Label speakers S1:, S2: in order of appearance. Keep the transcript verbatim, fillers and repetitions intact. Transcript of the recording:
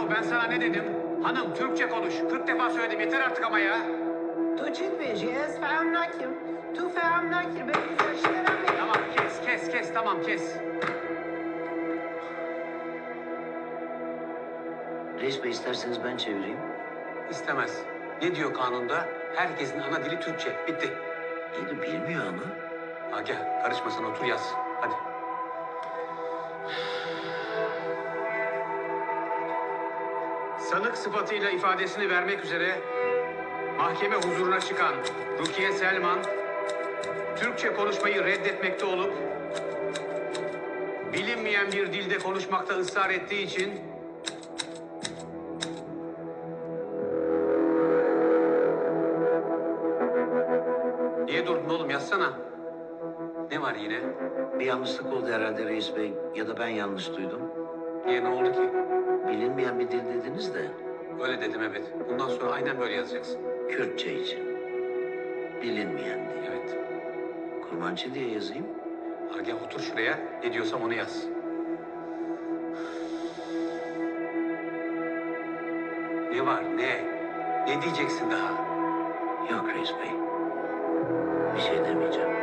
S1: Yahu ben sana ne dedim? Hanım Türkçe konuş. kırk defa söyledim yeter artık ama ya.
S2: Tu Çinvejiye Sfermnakim, Tu Fermnakim, ben Güzel
S1: Tamam kes kes kes tamam kes.
S3: Reis Bey isterseniz ben çevireyim.
S1: İstemez. Ne diyor kanunda? Herkesin ana dili Türkçe. Bitti.
S3: İyi de bilmiyor ama.
S1: Agah karışma sen otur yaz. Hadi. Sanık sıfatıyla ifadesini vermek üzere mahkeme huzuruna çıkan Rukiye Selman, Türkçe konuşmayı reddetmekte olup bilinmeyen bir dilde konuşmakta ısrar ettiği için niye durdun oğlum yazsana. Ne var yine?
S3: Bir yanlışlık oldu herhalde Reis Bey. Ya da ben yanlış duydum.
S1: Niye ne oldu ki?
S3: Bilinmeyen bir dil dediniz de
S1: Öyle dedim evet. Bundan sonra aynen böyle yazacaksın.
S3: Kürtçe için. Bilinmeyen diye.
S1: Evet.
S3: Kurmancı diye yazayım.
S1: Agah otur şuraya. Ne diyorsam onu yaz. Ne var ne? Ne diyeceksin daha?
S3: Yok Reis Bey. Bir şey demeyeceğim.